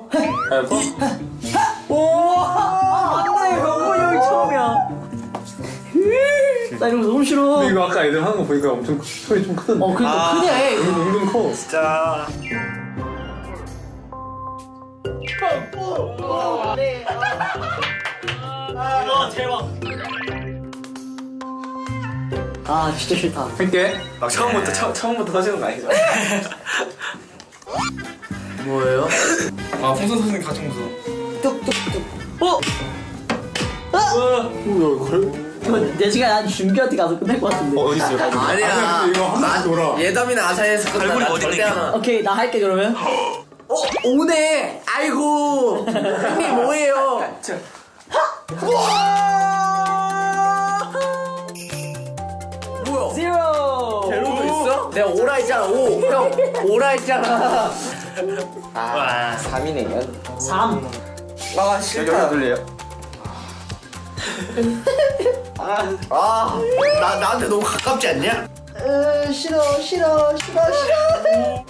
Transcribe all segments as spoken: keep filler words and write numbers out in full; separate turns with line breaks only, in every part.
알파?
오! 안돼 병곤이 형이 처음이야. 나 이런 거 너무 싫어.
근데 이거 아까 애들 하는 거 보니까 엄청 소리 좀 크던데.
어 그니까
아.
크네.
은근 커.
진짜.
아 진짜 싫다.
할게.
막 처음부터 처, 처음부터 터지는 거 아니죠?
뭐예요?
아 풍선 터지는 게 가장 무서워.
뚝뚝뚝. 어?
뭐야 그래?
이거 내 시간에 한 준비한테 가서 끝날 것 같은데.
어디 있어요?
아니야.
이거 한 번씩 돌아.
예담이나 아사히에서 끝나.
갈고리
나
어디
절대
있는
안 와.
오케이 나 할게 그러면.
어 오네. 아이고. 형님 뭐예요? 뭐야?
제로.
제로도 있어? 내가 오라 했잖아. 오. 형 오라 했잖아.
와.
삼이네요.
삼.
아 싫다.
돌려요.
아, 나 나한테 너무 가깝지 않냐?
으 싫어 싫어 싫어 싫어.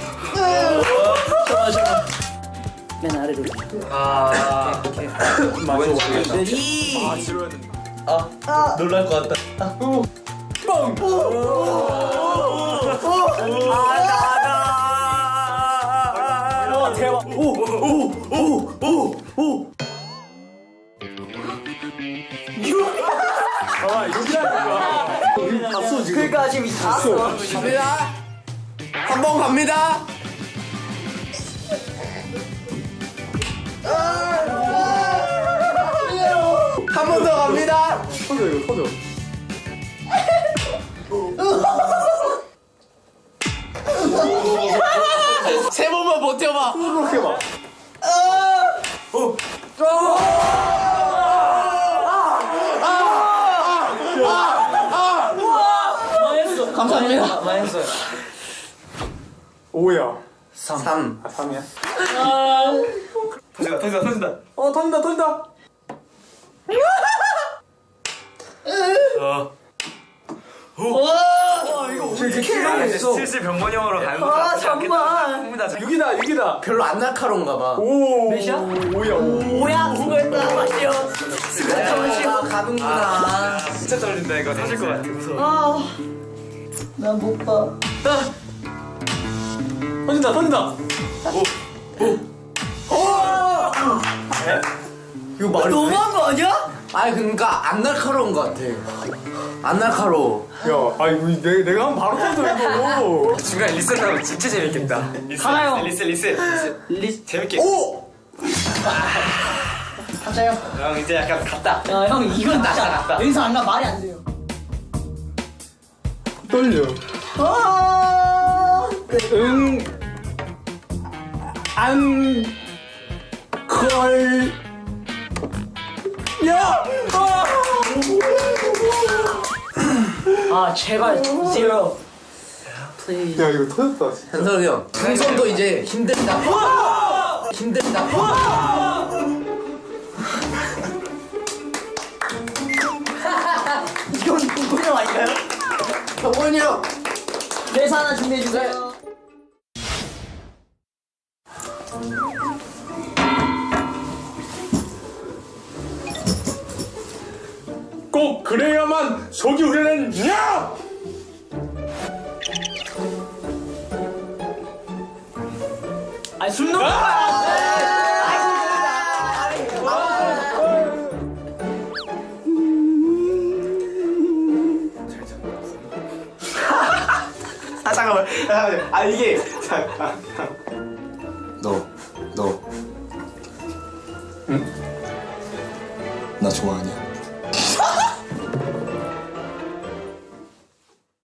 싫어 싫어. 맨 아래로.
아. 오케이.
맞아 맞아.
이.
아 싫어했는데.
놀랄 것 같다.
아 대박.
아 여기라는 거야. 갔어 지금.
그러니까 지금 다 왔어.
갑니다. 한 번 갑니다. 한 번 더 갑니다.
터져 이거 터져.
세 번만 버텨봐.
그렇게 봐.
망했어. 감사합니다. 망했어요.
오야.
삼.
아 삼이야?
터진다 터진다 터진다.
어 터진다 터진다.
어.
이렇게 kil당했어.
슬슬 병건이 형으로 가는 거
아 잠깐만.
합니다.
육이다 육이다.
별로 안 날카로운가 봐.
오.
몇이야?
오야 오.
뭐야 수고했다 마시오.
아, 가는구나.
진짜 떨린다 이거 터질 것 같아. 무서워.
아난 못 봐.
터진다 터진다.
이거 말이 돼?
너무한 거 아니야?
아니 그러니까 안 날카로운 것 같아. 안 날카로워.
야, 아이 우리 내 내가 하면 바로 터져 이거.
중간에 리셋 하면 진짜 재밌겠다. 리셋,
가나요?
리셋 리셋 리셋.
리.
재밌게.
오!
갑자요.
형 이제 약간 갔다.
야형 이건
갔다,
진짜
갔다.
여기서 안 가 말이 안 돼요.
떨려.
아.
응. 안. 걸. 야. 아.
아 제발 zero. Please.
야 이거 터졌다. 진짜.
현석이 형. 풍선도 이제 힘들다. 힘들다.
이건 공룡 아닌가요?
병원이 형.
대사 하나 준비해 주세요.
꼭 그래야만 속이 우려낸 야!
아니 술 넣는 거야.
아 잠깐만. 잠깐만. 아 이게 잠깐.
너, 너. 응? 나 좋아하냐?